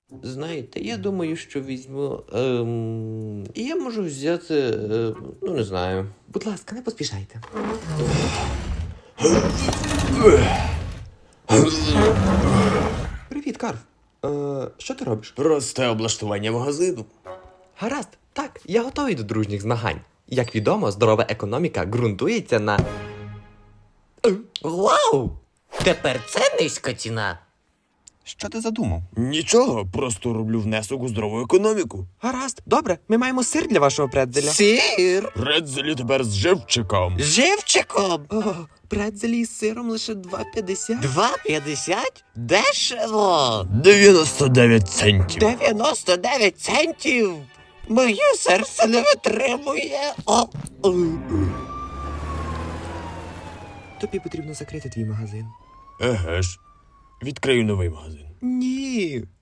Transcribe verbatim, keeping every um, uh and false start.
Знаєте, я думаю, що візьму. Ем... І я можу взяти. Е... Ну, не знаю. Будь ласка, не поспішайте. Привіт, Карл. Е... Що ти робиш? Просте облаштування магазину. Гаразд, так, я готовий до дружніх змагань. Як відомо, здорова економіка ґрунтується на. Вау! Тепер це низька ціна. Що ти задумав? Нічого, просто роблю внесок у здорову економіку. Гаразд, добре, ми маємо сир для вашого предзеля. Сир Предзелі тепер з живчиком. з живчиком. О, предзелі з сиром лише два п'ятдесят. два п'ятдесят? Дешево. дев'яносто дев'ять центів. дев'яносто дев'ять центів. Моє серце не витримує. О, о. Тобі потрібно закрити твій магазин. Еге ж. Відкрию новий магазин. Ні.